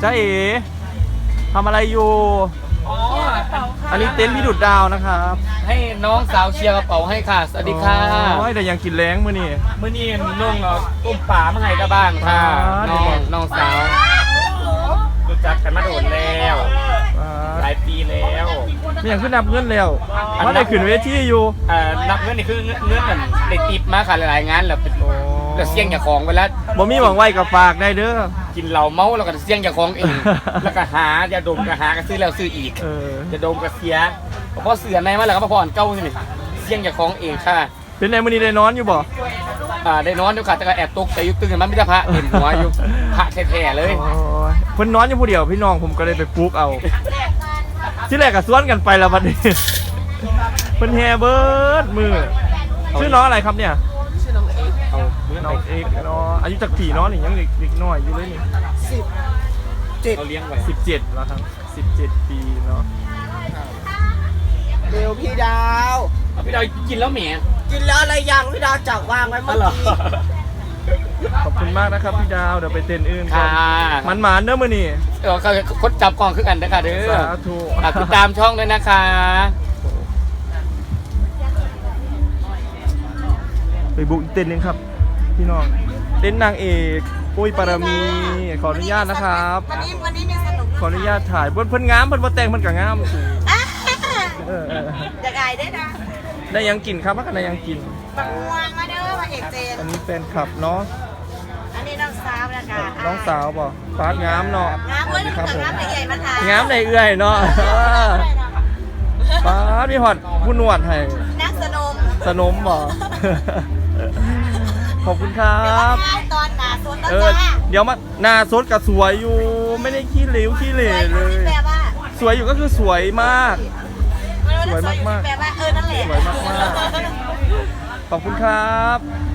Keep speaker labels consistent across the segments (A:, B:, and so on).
A: จ้าเอ๋ทำอะไรอยู่อันนี้เต็นท์พี่ดุดดาวนะครับ
B: ให้น้องสาวเชียร์กระเป๋าให้ค่ะสวัสดีค่ะ
A: โอ้ยแต่ยังกินแรงมื้อนี่
B: เมื่อนี้นุ่งต้มป่ามาให้กับบ้านค่ะน้องสาวรู้จักกันมาโดนแล้วหลายปีแล้ว
A: ไม่อยากขึ้นนับเงินแล้วว่าได้ขึ้นเวทีอยู่
B: นับเงินนี่คือเงินนั่นเด็กติบมาค่ะหลายๆงานแล้วเป็นแล้วเสี่ยงอย่าของไปแล้ว
A: บ่มีหวังไว้กับฝากได้เด้อ
B: กินเหล้าเมาแล้วก็เสี่ยงอย่าของเองแล้วก็หายาดมก็หาก็ซื้อแล้วซื้ออีกยาดมก็เสียพอเสือในมาแล้วก็มาพออ่อนเก้านี่เสี่ยงอย่าของเองค่ะ
A: เป็นไงมื้อนี้ได้นอนอยู่บ่
B: ได้นอนอยู่ค่ะแต่ก็แอบตกใจยุคตึงมันไม่ได้พระเห็นหัวอยู่พระแท้ๆเลย
A: เพิ่นนอนอยู่ผู้เดียวพี่น้องผมก็เลยไปปลุกเอาที่แรกก็สวนกันไปแล้วบัดนี้เพิ่นแฮเบิดมือชื่อน้องอะไรครับเนี่ยชื่อน้องเอกน้องเอกเนาะอายุจักปีเนาะนี่ยังเด็กน้อยอยู่เลยนี่17
B: เขาเลี้ยงไว้
A: 17แล้วครับ17ปีเนาะ
C: เร็วพี่ดาว
B: พี่ดาวกินแล้วแหม
C: กินแล้วอะไรยังพี่ดาวจับวางไว้เมื่อกี้
A: ขอบคุณมากนะครับพี่ดาวเดี๋ยวไปเต้นอื่นกั
B: ค่ะ
A: นมันๆเด้อมื้อนี้
B: คนจับกล่องคือกันนะคะเด้อ
A: สาธุ
B: ติดตามช่องด้วยนะคะ
A: ไปบุกอีกเต้นนึงครับพี่น้องเต้นนางเอกปุ้ยปารมีขออนุญาตนะครับ
C: วันนี้มีสนุก
A: ขออนุญาตถ่ายเพิ่นงามเพิ่นบ่แต่งเพิ่นก็งามเออ
C: จะไก่ได้นะ
A: ได้ยังกินครับว่ากันได้ยังกิน
C: ปังวงมาเด้อมาเอกเจน
A: อันนี้แฟนคลับเนาะ
C: อันนี้น้องสาวนะคะ
A: น้องสาวบ่ฟาดงามเนาะ
C: งามเว้ยน้องงามใหญ่มาทาน
A: งามในเอื้อยเนาะฟาดมีฮอดผู้นวดให้
C: นักสนม
A: สนมบ่ ขอบคุณครับ
C: ตอนหนาสดแล้ว
A: จ้า
C: จ้า
A: เดี๋ยวมาหน้าสดกับสวยอยู่ไม่ได้ขี้เหลวขี้เหร่เลย
C: แปลว่า
A: สวยอยู่ก็คือสวยมาก สวยมากๆ
C: แปลว่านั่นแหละ
A: สวยมากๆขอบคุณครับ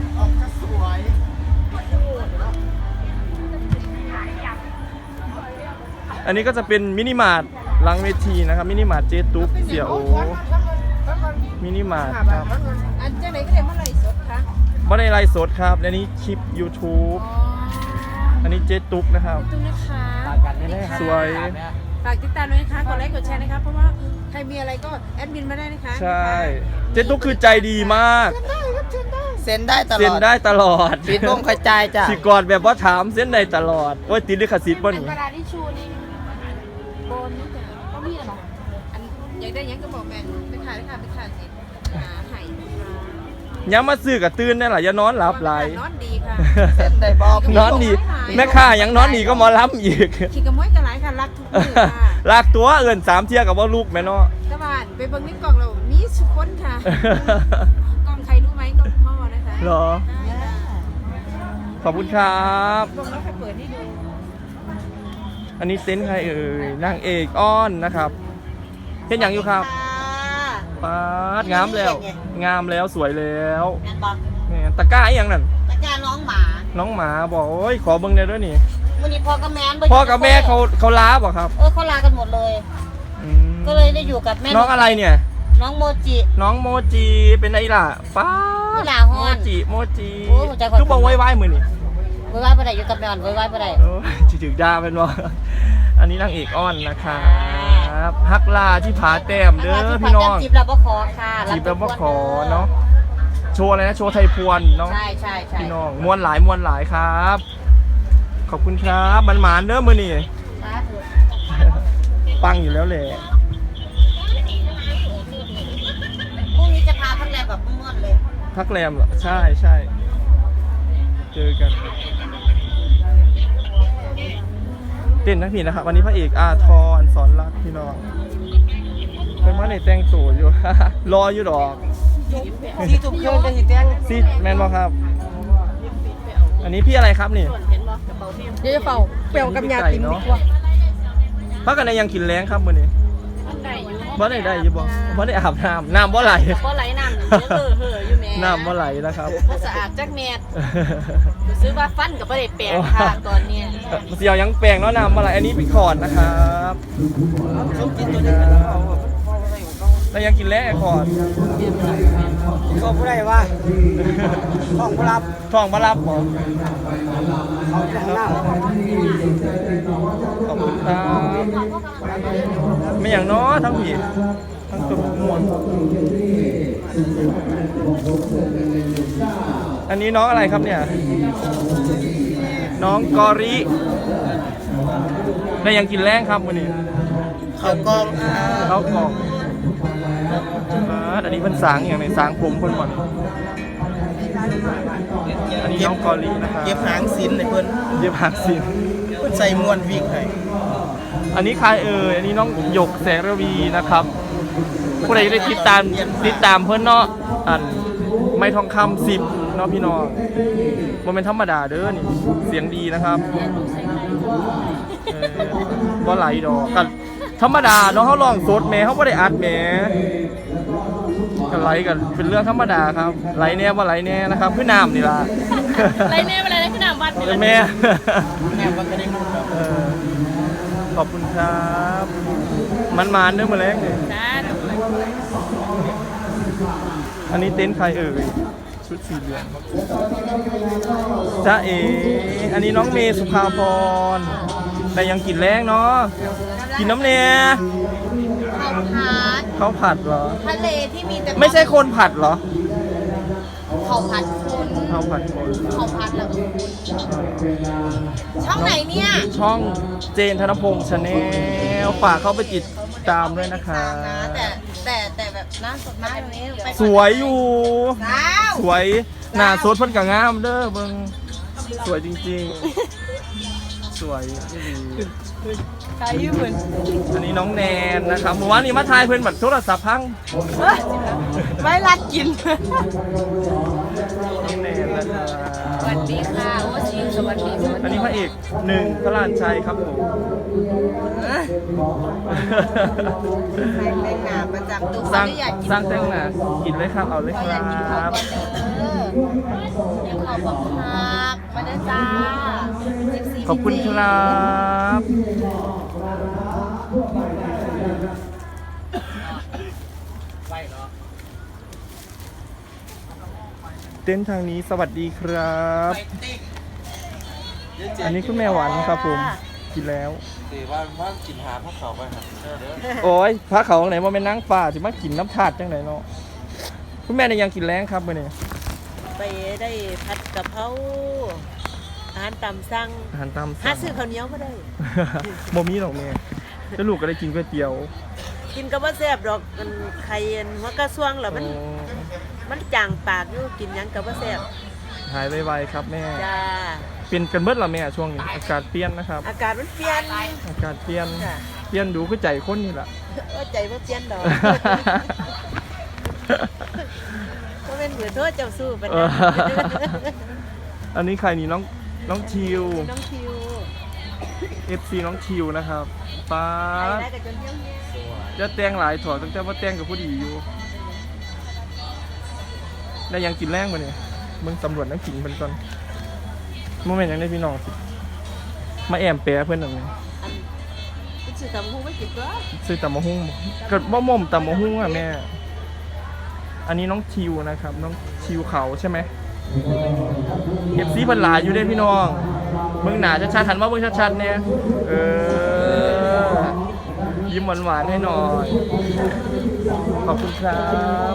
A: อันนี้ก็จะเป็นมินิมาร์ทหลังเวทีนะครับมินิมาร์ทเจตุ๊กเสี่ยโอมินิมาร์ทครับ
C: อันเจ้าไหนก็เลยเมื่อไรสดคะ
A: ไม่ได้ไลฟ์สดครับอันนี้คลิป YouTube อันนี้เจตุ๊กนะครับ
D: ขอบคุณนะคะ
A: สวย
D: ฝากติดตามด้วยนะคะกดไลค์กดแชร์นะคะเพราะว่าใครมีอะไรก็แอดมินมาได้นะคะ
A: ใช่เจตุ๊กคือใจดีมาก
C: เซ็นได้ตล
A: เซ็น
C: อด
A: ได้ตลอด
C: ปิดวงกระจายจ้ะ
A: สิกอดแบบว่าถามเส้นได้ตลอดโอ้ยติดลิขสิทธิ์ป่ะนี่
D: กระดาษทิชชู่นี่โบนนี่จ้ะก็มีเหรออันอยากได้ยังก็บอกแม่ไปขายเลยค่ะไปขายสิหายนะคะ
A: ย้ำมาซื้อกับตื่นนั่นแหละอย่านอนหลับไหล
D: นอนดีค่ะ
C: เซ็นได้บอก
A: นอนดีแม่ค้ายังนอนดีก็หมอล้ำอีก
D: ขี่กระมวยกระไรค่ะรักทุกมือค่ะ
A: ลากตัวเอิน3 เที่ยกับว่าลูกแม่เนาะ
D: กระบานไปเบิ่งในกล่องเรามีสุขคนค่ะกล่องใครรู้ไหมกล่องพ่อนะคะ
A: เหรอ
D: ได้ค่ะ
A: ขอบคุณครับ
D: กล่องแล้วใครเปิดให้ดู
A: อันนี้เต็นท์ใครเอ่ยนางเอกอ้อนนะครับเห็นอย่างอยู่ครับป๊าดงามแล้ว งามแล้วสวยแล้ว
C: แมนบอก
A: แม่ตะกร้าอหย่างนั้น
C: ตะการน้องหมา
A: น้องหมาบอกโอ้ยขอเบิ่งได้ด้วยนี่
C: วันนี้พ่อกับแม่
A: พ่อกับแม่เขาล้าบอกครับ
C: เขาลากันหมดเลย
A: อืม
C: ก็เลยได้อยู่กับแม่
A: น้องอะไรเนี่ย
C: น้องโมจิ
A: น้องโมจิเป็นไอ้ล่ะป้า
C: อีหล่าฮ้
A: โม
C: อน
A: จิโมจิ
C: โอ้หัวใจขอ
A: คือบอกไว้มือนี่
C: ไว้ไว้ไปไหนอยู่กับแม่ไว้ไว้ไปไหน
A: โอ้ยจิถึงดาเป็นว่าอันนี้นางเอกอ้อนนะครับฮักลาที่ผาแต้มเด้อพี่น้อง
C: จีบเราบ่ขอค่ะ
A: จีบแล้วบ่ขอเนาะโชว์อะไรนะโชว์ไทยพวนเนาะ
C: ใช่ใช่
A: พี่น้องมวนหลายครับ ขอบคุณครับมันหมานเด้อมือนี่ปังอยู่แล้วแหละ
C: พรุ่งนี้จะพาพักแรมแบบม่วนเลย
A: พักแรมเหรอใช่ใช่เจอกันเต้นทั้งทีนะครับวันนี้พระเอกอาทรสอนรักพี่น้องเป็นว่าในแต่งตัวอยู่ รออยู่ดอก
C: ที่ถูกเครื่องจะหิแจ้ง
A: ซีแมนบอครับ อันนี้พี่อะไรครับนี่
D: เดี๋ยวจะเป่าเปลวกับยาติมดีกว่า
A: พักกันในยังกินแรงครับมื้อนี้
D: ได้อยู่
A: บ่ได้อยู่บ่บ่ได้อาบน้ำบ่ไหล
D: ก็ไหลน้ำเยอะเห่ออยู่แม่
A: น้ำบ่ไหลนะครับ
D: ก็สะอาดจักแมทซื้อว่าฟันกับไม่ได้แปลงค่ะตอนเนี้ย
A: เสียวยังแปลงเนาะน้ำบ่ไหลอันนี้พี่ขอดนะครับแล้วยังกินแรงไอ้ขอด
C: เขาผู้ใดว่าของผู้รับ
A: ท้องบ่รับบ่
C: เขาข้างหน้า
A: ขอบคุณครับไม่อย่างน้อทั้งผีทั้งตุ่มมวลอันนี้น้องอะไรครับเนี่ยน้องกอริได้ยังกินแรงครับวันนี้
C: เขากอง
A: ข้าวกล่องอันนี้เป็นสางอย่างไรสางผมคนหมดอันนี้น้องกอรินะครับ
C: เก็บหางสินในเพิ่น
A: เย็บหางสิน
C: เพิ่นใส่มวนวิกให้
A: อันนี้ใครอันนี้น้องหยกแสงระวีนะครับผู้ใดได้ติดตามเพื่อนเนาะอันไม่ทองคำ10เนาะพี่น้องมันเป็นธรรมดาเด้อนี่เสียงดีนะครับก็ไหลดอกกันธรรมดาเนาะเขาลองสดแม่เขาไม่ได้อัดแม่กันไหลกันเป็นเรื่องธรรมดาครับไหลแน่ว่าไหลแน่นะครับพี่น้ำนี่ล่ะ
D: ไรแน่อะไรนะพี่น้ำวัดนี่แหละ
A: แม่
C: แม่มันก็ได้มุนครับ
A: ขอบคุณครับมันเนื้อมาแรงเลย
D: จ้า
A: อันนี้เต็นท์ใครชุดสีเหลืองจ้าเออันนี้น้องเมย์สุภาพรแต่ยังกินแรงเนาะกินน้ำเนีย
C: เขาพัด
A: เขาผัดเหรอ
C: ทะเลที่มีแต่
A: ไม่ใช่คนผัดเหรอ
C: เขาพัดคน
A: เขาผัดคน
C: เขาพัดแล้วช่องไหนเนี่ย
A: ช่องเจนธนพงษ์ชาแนลฝากเข้าไปติดตามด้วยนะคะ
C: แต่แบบหน้าสดหน้าตรงนี้ไป
A: สวยอยู่
C: สาว
A: สวยหน้าสดเพิ่นก็งามเด้อเบิ่งสวยจริงๆ สวยที่ดี
D: ใครยืมเหมือน
A: อันนี้น้องแนนนะครับเมื่อวานนี้มาทายเพิ่นบัดโทรศัพท์พัง
D: ไว้รัดกิน
A: น้องแนนนะครับ
D: สวัสดีค่ะโอ้ชิวสวัสดี
A: อันนี้พระเอกหนึ่งพระลานชัยครับผม
C: ใส่แต่งหน้าประจำตัว
A: สร้าง
C: อยากกิน
A: สร้างแต่งหน้ากินเลยครับเอาเลยค
C: เขาอ
A: รั
C: ยากกินข้าว
A: บ
C: ก่อนเดี๋ยวเขาบอกครับมาเด้อจ้า14
A: ขอบคุณครับเต้นทางนี้สวัสดีครับ อันนี้คุณแม่หวานครับผมกินแล้ว
E: สิว่ากินหาพวกเขาไปครับ
A: โอ้ยพระเขาไหนมาเป็นนางฟ้าสิมากินน้ำถาดจังไหนเนาะคุณแม่เนี่ยยังกินแรงครับมื่อนี้
F: ไปได้ผัดกะเพราอาหารตามสั่ง
A: อาหารตาม
F: หาซื้อข้าวเหนียวก็ได้
A: โมมีหรอกแม่แล้วลูกก็ได้กินก๋วยเตี๋ยว
F: กินก็บ่แซ่บดอกมันไข่อันหัวกระซวงแล้วมันจางปากอยู่กินหยังก็บ่แซ่บ
A: หายไวๆครับแม่
F: จ้า
A: เปลี่ยนกันเบิดละแม่ช่วงนี้อากาศเปลี่ยนนะครับ
F: อากาศมันเปลี่ยน
A: อากาศเปลี่ยน
F: จ้ะ
A: เปลี่ยนดูคือใจคนนี่แหละ
F: ใจบ่เปลี่ยนดอกบ่แม่นเหือโทษเจ้าสู้ปาน
A: เอ
F: นั้
A: อน อันนี้ใครนี่น้องชิว
F: น้องคิว
A: FC น้องชิวนะครับป้า
F: ไปได้กับจนเที่ยวเนี่ย
A: จะแต่งหลายถอดตั้งแต่ว่าแต่งกับผู้ดีอยู่ได้ยังกินแรงมาเนี่ยมึงสำรวจน้ำกินเพิ่นก่อนโมเมนต์ยังได้พี่น้องสิมาแอมแปรเพื่อนหนึ่ง
F: อันกูสิทำฮู้ไม่กินก็
A: ซื้อตำมะฮุ่งเกิดบ่ม่มตำมะฮุ่งอ่ะแม่อันนี้น้องชิวนะครับ น้องชิวเขาใช่ไหมเก็บซีพันหลายอยู่ได้พี่น้องมึงหนาชัดๆหันมาเบิ่งชัดๆเนี่ยยิ้มหวานๆให้หน่อยขอบคุณครับ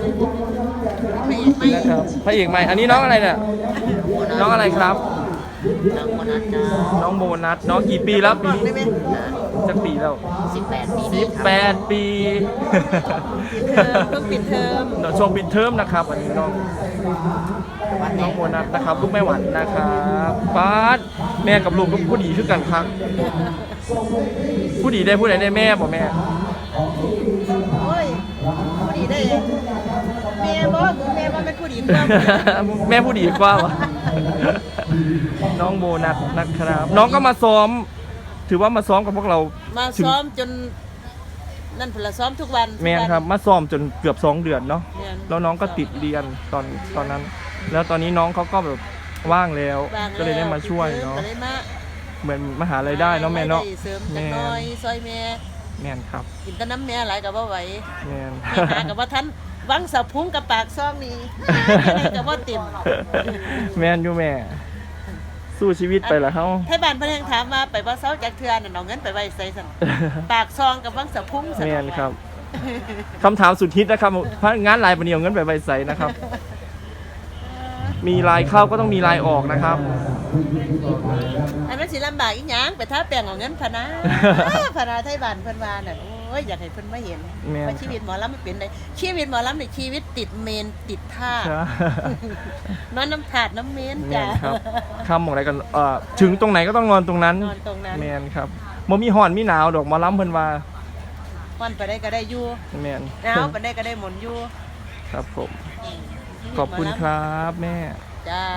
A: นะครับพระเอกใหม่อันนี้น้องอะไรเนี่ยน้องอะไรครับ
C: น้องคนนั้นจ้า
A: น้องโบนัสน้องกี่ปีแล้วปีนี้จะปีแล้ว
C: 18 ปี
A: 18 ปี
F: เพิ่งปิดเทอม
A: ช่วงปิดเทอมนะครับอันนี้น้องโบนัสนะครับลูกแม่หวานนะครับป้าดแม่กับลูกก็ผู้ดีคือกันครับผู้ดีได้ผู้ใดได้แม่บอกแม่
F: โอ้ยผู้ดีได้แม่บ่เป็นผู้ดีเพิ่ม
A: แม่ผู้ดีกว่าวะน้องโบนัสนะครับ น้องก็มาซ้อม ถือว่ามาซ้อมกับพวกเรา
F: มาซ้อมจนนั่นผลซ้อมทุกวัน
A: แม่ครับมาซ้อมจนเกือบ2 เดือนเนาะ
F: แม่น
A: แล้วน้องก็ติดเรียนตอนนั้น แล้วตอนนี้น้องเขาก็แบบว่างแล้ว
F: ว่าง
A: ก็เลยได้มาช่วยเนาะ
F: ก็เลยมา
A: เหมือนมหาลัยได้เนาะแม่เนาะ
F: ได้เสริมจั
A: แม่
F: กหน้อยซอยแม่
A: แม่นครับ
F: กินแต่น้ำแม่หลายก็บ่ไหว
A: แม่น
F: ไปหากับว่าท่านวังสะพุงกับปากซ่องนี่ ก็บ่เต็ม
A: แม่นอยู่แม่สู้ชีวิตไปละเฮา
F: ให้บ้านเพิ่นยังถามว่าไปบ่เซาจักเทื่อนั่นเอาเงินไปไว้ไสซั่นปากซองกับวังสะพุ่งซั่น
A: แม่นครับคำถามสุดฮิตนะครับพนักงานรายปานนี้เอาเงินไปไว้ไสนะครับ มีรายเข้าก็ต้องมีรายออกนะครับ
F: อันนั้นสิลำบากอีหยังไปทาแป้งเอาเงินพะนะพะนะไทบ้านเพิ่นว่าน่ะโอ้ยอยากให้เพิ่นมาเห็น
A: แม่น
F: ว่าชีวิตหมอลำมันเป็นได้ชีวิตหมอลำนี่ชีวิตติดเมนติดท่า
A: ครับ
F: นอนน้ำถาดน้ำเมน
A: แม
F: จ้ะ
A: นครับคำของอะไรกันถึงตรงไหนก็ต้องนอนตรงนั้น
F: นอนตรงนั้น
A: แมนครับบ่มีห่อนมีหนาวดอกหมอล้ำเพิ่นว่า
F: วันไปได้ก็ได้อยู่
A: แมน
F: หนาวไปได้ก็ได้หมุนอยู่
A: ครับผม ขอบคุณครับแม่
F: จ้า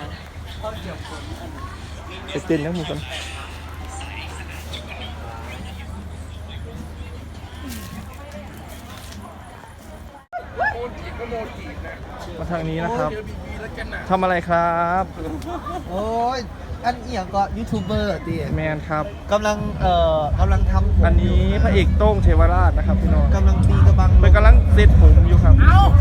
A: ไปเต้นนะหมูกันมาทางนี้นะครับทำอะไรครับ
E: โอ้ย อันเอียงก็ยูทูบเบอร์ดิ
A: แมนครับ
E: กำลังทำผม
A: อันนี้พระเอกโต้งเทวราชนะครับพี่น้อง
E: กำลังตีกระบัง
A: เป็นกำลังเซตผมอยู่ครับ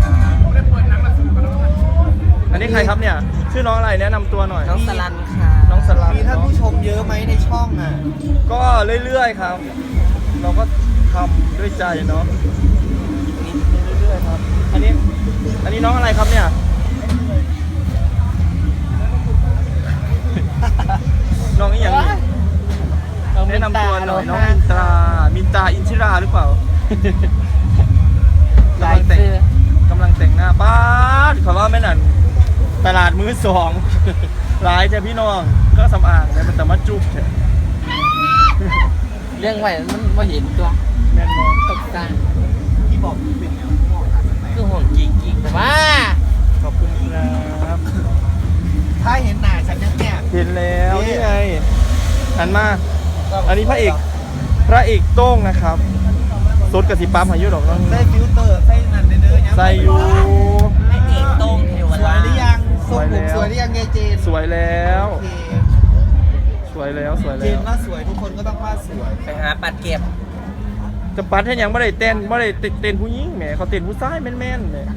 A: อันนี้ใครครับเนี่ย ชื่อน้องอะไรแนะนำตัวหน่อย
E: น้องสลันค่ะ
A: น้องสลัน
E: มีท่านผู้ชมเยอะไหมในช่องอ่ะ
A: ก็เรื่อยๆครับ เราก็ทำด้วยใจเนาะเรื่อยๆครับ อันนี้น้องอะไรครับเนี่ย น้องอีหยังนี่แนะนำตัวหน่อยน้องมินตราอินชิราหรือเปล่ากำลังแต่งหน้าป้าดขอว่าไม่นั่นตลาดมือสองหลายจ้ะพี่น้องก็สำอางแต่มันแต่มาจุ๊บเถอะ
B: เรื่องไว้มันมาเห็นตัว
A: แมนมอง
B: ตกใจ
E: ที่บอกเป็นแนว
B: คือห่วงกิ๊กแต่ว่า
A: ขอบคุณครับ
E: ถ้าเห็นหน้าฉันยังเนี่ย
A: เห็นแล้วนี่ไงหันมา อันนี้พระเอกโต้งนะครับสดกับสีปั๊มหายุดอกน้อง
E: ใส่ฟิลเตอร์ใส่นั่นเด้อๆ
A: ใส่อยู่
F: ไอ้เอกตรงเทว
E: สว
F: ราย
E: หรือยังทรงผมสวยหรือยังเงเจน
A: สวยแล้ว
E: โอเค
A: สวยแล้ว
E: เจนว่าสวยทุกคนก็ต้องว่าสวย
F: ไปหาปัดเก็บ
A: จะปัดให้ยังไม่ได้เต้นผู้หญิงแหมเขาเต้นผู้ชายแม่นๆแหม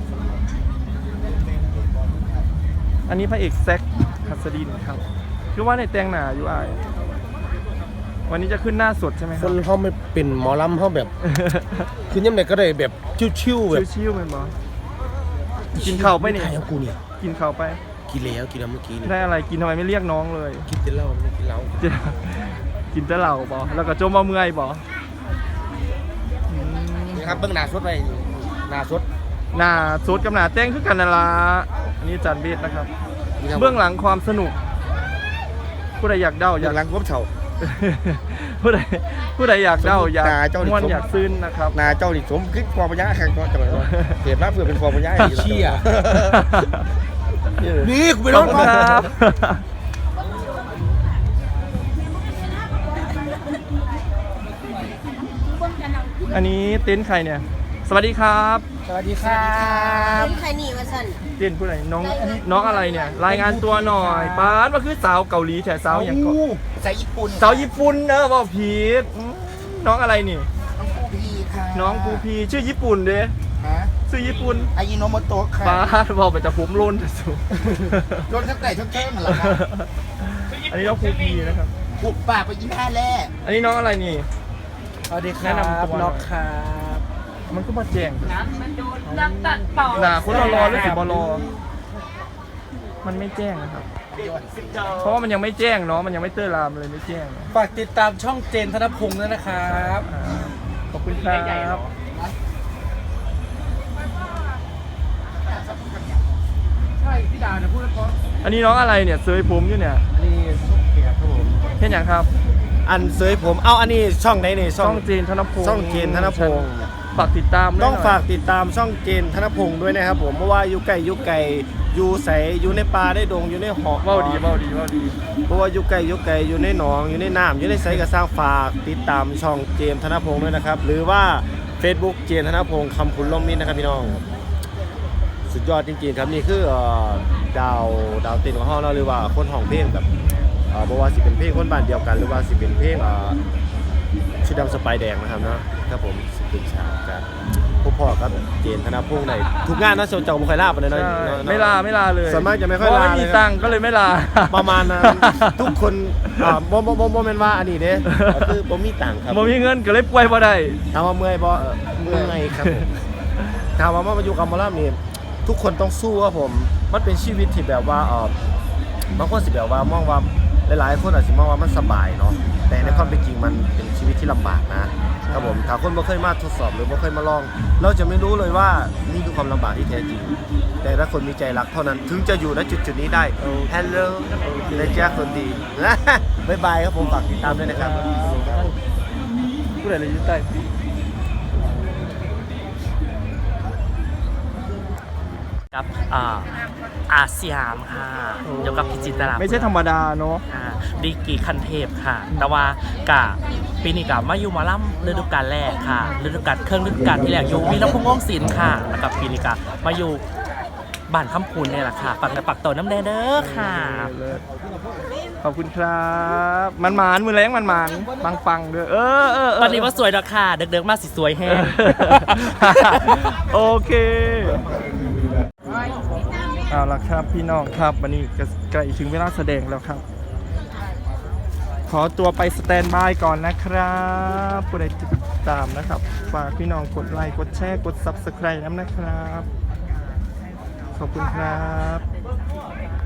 A: อันนี้พระเอกแซคหัสดินครับคือว่าในแต่งหน้าอยู่อายวันนี้จะขึ้นหน้าสดใช่ไหมค
G: ครับ นเขาไม่เป็นหมอลำเขาแบบ คือยังไงก็ได้แบบชิวๆแบบ
A: ชิวๆไหมหมอกินข้าวไปนี่
G: ใครของกูเนี่ย
A: กินข้าวไป
G: กินแล้วกินแล้วเมื่อกี้นี่
A: ได้อะไรกินทำไมไม่เรียกน้องเลย
G: กินแต่เหล้าไม่กินเหล้า
A: กินแต่เหล้าบอแล้วก็จมมาเมื่อยบอ
B: นี่ครับเบื้องหน้าสดไปหน้าสด
A: หน้าสดกับหน้าแต่งคือกันนั่นละอันนี้อาจารย์เบสนะครับ เบื้องหลังความสนุก ผู้ใดอยากเด้าอยาก
G: หลังก้มเฉา
A: ผู้ใดอยากเด้าอยาก
G: ตาเจ้าดิ
A: ม่วนอยากซึ้นนะครับ
G: นาเจ้าดิสมคิดความปัญญาแข่งก็จะแบบว่าเก็บรับเพื่อเป็นความปัญญาอีก
B: เชี่ย
G: นี่กูไป
A: ข
G: ร้
A: อ
G: อบ น
A: คุณครับอันนี้เต็นท์ใครเนี่ย สวัสดีครับ
B: สวัสดีครับ
C: ใครหนีมาสั่น
A: เต็นท์ผู้ใดน้องอะไรเนี่ย รายงานตัวหน่อยป้าดมาคือสาวเกาหลีแถสาวอย่างก่อน
E: ใส่ญี่ปุ่น
A: สาวญี่ปุ่นบอกผิดน้องอะไรนี่
E: พี่ค่ะ
A: น้องปูพีชื่อญี่ปุ่นเด้
E: ฮะ
A: ชื่อญี่ปุ่น
E: อายิโนโมโตะค่ะ
A: ป้าดบอกไปจะผมโลนแต่สูง
E: รถทั้งแต่ทั้งเท่งเหรอครับ
A: อันนี้น้องปูพีนะครับ
E: ปุบปากไปยิ้มแพ้แล่
A: อันนี้น้องอะไรนี่
G: สวัสดีค
A: แนะ
G: รับ
A: นำตัวหน่อย
G: น็อกครับ
A: มันก็มาแจ้ง
D: น้ำตัดต่อ
A: หนาคนรอหรือสิบรอมันไม่แจ้งนะครับ เพราะว่ามันยังไม่แจ้งเนาะมันยังไม่เตอร์รามเลยไม่แจ้ง
G: ฝากติดตามช่องเจนธนพงศ์ด้วยนะครับ
A: ขอบคุณครับ
G: ใช่พี่ดาเนี่ยพูดแล้วเพราะ
A: อันนี้น้องอะไรเนี่ยเซยผมอยู่เนี่ย
G: นี่ช่องเกียรติครับผม
A: เห็นอย่างครับ
G: อันเสยผมเอาอันนี้ช่องไหนนี่
A: ช่องเจนธนพงศ์
G: ช่องเจนธนพงศ์
A: ฝากติดตามด้วย
G: ต้อง
A: หน่ย
G: ฝากติดตามช่องเจนธนพงศ์ด้วยนะครับผมเพราะว่าอยู่ไก่อยู่ใสอยู่ในป่าได้ดงอยู่ในหอก
A: เว้าดีเว้าดี
G: เพราะว่าอยู่ไก่อยู่ในหนองอยู่ในน้ำอยู่ในไสก็สร้างฝากติดตามช่องเจมส์ธนพงศ์ด้วยนะครับ หรือว่า Facebook เจมส์ธนพงศ์คำคุณล่มมิตรนะครับพี่น้อง สุดยอดจริงๆครับนี่คือดาวเต้นของห้องเราหรือว่าคนห้องเพลงแบบบอกว่าสิเป็นเพลงคนบ้านเดียวกัน หรือว่าสิเป็นเพลงชุดดำสไปแดงนะครับเนาะครับผมสิเป็นฉากกันพวกพ่อครับเจนธนพงษ์ในทุกงานนะโซนเจ้าบุคอยลาไปเลยนะ
A: ใช่ไม่ลาเลย
G: ส่วนมากจะไม่ค่อย
A: เพราะ
G: ลา
A: ไม่มี
G: เลย
A: ตังค์ก็เลยไม่ลา
G: ประมาณนั้นทุกคนโมเมนว่าอันนี้เด้คือผมมีตังค์ครับ
A: บ่มีเงินก็เลยป่วยบ่ได้
G: ถามว่าเมื่อยบ่เมื่อยครับผมถามว่ามาอยู่กับหมอลำนี่ทุกคนต้องสู้ครับผมมันเป็นชีวิตที่แบบว่าบางคนสิแบบว่ามองว่าหลายๆคนอาจจะมองว่ามันสบายเนาะแต่ในความเป็นจริงมันเป็นชีวิตที่ลำบากนะครับผมถ้าคนไม่เคยมาทดสอบหรือไม่เคยมาลอง เราจะไม่รู้เลยว่านี่คือความลำบากที่แท้จริง แต่ถ้าคนมีใจรักเท่านั้นถึงจะอยู่ณจุดนี้ได้ฮัลโหลนะจ๊ะคนดี บ๊ายบายครับผมฝากติดตามด้วยนะครับ
A: ผู้ใดเลยอยู่ใต้
H: กับอาเซียมค่ะเกี่ยวกับพิจิตรา
A: ไม่ใช่ธรรมดาเนาะ
H: ดีกรีคันเทพค่ะ แต่ว่ากะปีนี้กับมาอยู่หมาล่ำฤดูกาลแรกค่ะฤดูกาลเครื่องฤดูกาลที่แรกอยู่วีรพงษ์วงศิลป์ค่ะแล้วกับปีนี้กับมาอยู่บ้านคำพูนเนี่ยแหละค่ะปักในปักโตน้ำแดงเด้อค่ะ
A: ขอบคุณครับมันมือแรงมันปังๆด้วย
H: ตอนนี้ว่าสวยดอกค่ะเด็กๆมาสิสวยแห้ง
A: โอเคเอาละครับพี่น้องครับวันนี้ก็ใกล้ถึงเวลาแสดงแล้วครับ ขอตัวไปสแตนบายก่อนนะครับผู้ใดติดตามนะครับฝากพี่น้องกดไลค์กดแชร์กด Subscribe น้ำนะครับขอบคุณครับ